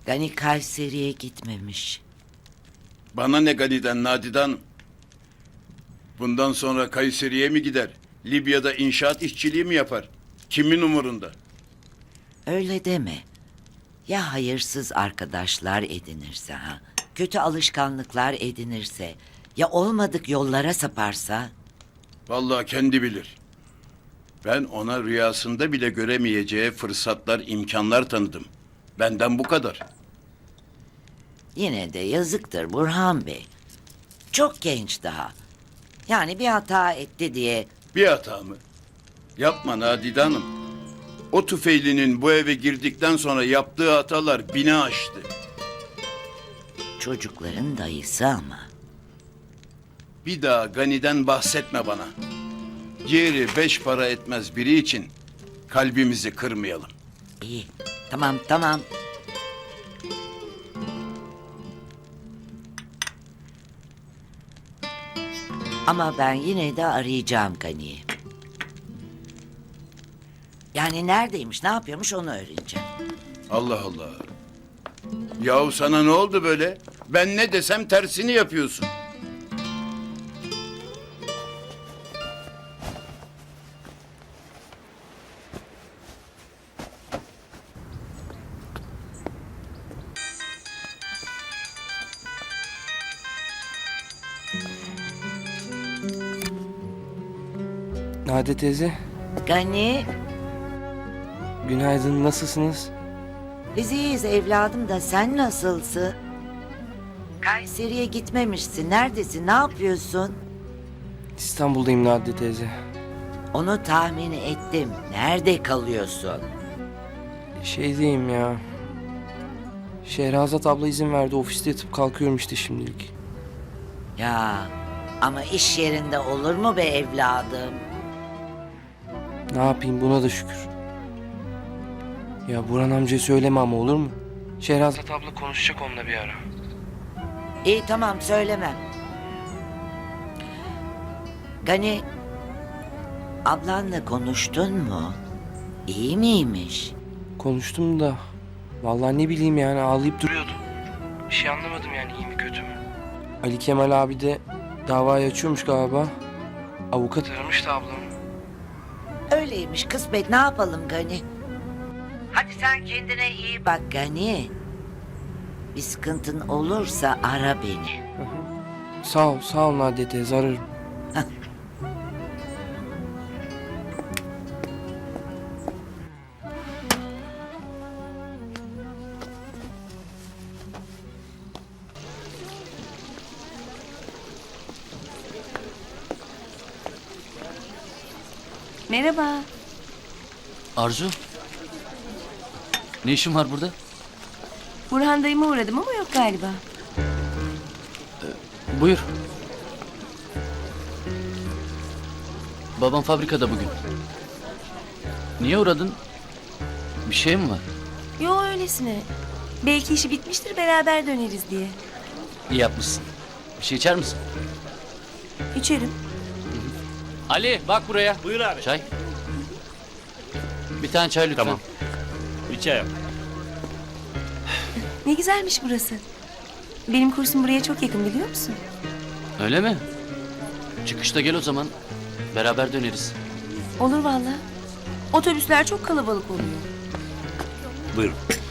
Gani Kayseri'ye gitmemiş. Bana ne Gani'den Nadide Hanım? Bundan sonra Kayseri'ye mi gider? Libya'da inşaat işçiliği mi yapar? Kimin umurunda? Öyle deme. Ya hayırsız arkadaşlar edinirse ha? Kötü alışkanlıklar edinirse? Ya olmadık yollara saparsa? Vallahi kendi bilir. Ben ona rüyasında bile göremeyeceği fırsatlar, imkanlar tanıdım. Benden bu kadar. Yine de yazıktır Burhan Bey. Çok genç daha. Yani bir hata etti diye Bir hata mı? Yapma Nadide Hanım. O tüfeylinin bu eve girdikten sonra yaptığı hatalar bini aştı. çocukların dayısı ama. Bir daha Gani'den bahsetme bana. Ciğeri 5 para etmez biri için kalbimizi kırmayalım. İyi. Tamam tamam. Ama ben yine de arayacağım Gani'yi. Yani neredeymiş, ne yapıyormuş onu öğreneceğim. Allah Allah. Yahu sana ne oldu böyle? Ben ne desem tersini yapıyorsun. Nadide teyze, Gani, günaydın, nasılsınız? biz iyiyiz evladım da sen nasılsın? Kayseri'ye gitmemişsin. Neredesin? Ne yapıyorsun? İstanbul'dayım Nadide teyze. Onu tahmin ettim. Nerede kalıyorsun? Şeydeyim ya. Şehrazat abla izin verdi, ofiste yatıp kalkıyorum işte şimdilik. Ya ama iş yerinde olur mu be evladım? Ne yapayım, buna da şükür. Ya Burhan amcaya söyleme ama, olur mu? Şehrazat abla konuşacak onunla bir ara. İyi tamam söylemem. Gani, ablanla konuştun mu? İyi miymiş? Konuştum da vallahi ne bileyim, yani ağlayıp duruyordu. Bir şey anlamadım yani, iyi mi kötü mü? Ali Kemal abi de davayı açıyormuş galiba. Avukat aramış da ablamı. Öyleymiş kısmet, ne yapalım Gani? Hadi sen kendine iyi bak Gani. Bir sıkıntın olursa ara beni. Sağ ol Nadide teyze, ararım. Merhaba. Arzu. Ne işin var burada? Burhan dayıma uğradım ama yok galiba. Buyur. Babam fabrikada bugün. Niye uğradın? Bir şey mi var? Yo öylesine. Belki işi bitmiştir, beraber döneriz diye. İyi yapmışsın. Bir şey içer misin? İçerim. Ali bak buraya. Buyur abi. Çay. Bir tane çay lütfen. Tamam. Bir çay yap. Ne güzelmiş burası. Benim kursum buraya çok yakın, biliyor musun? Öyle mi? Çıkışta gel o zaman. Beraber döneriz. Olur valla. Otobüsler çok kalabalık oluyor. Buyurun.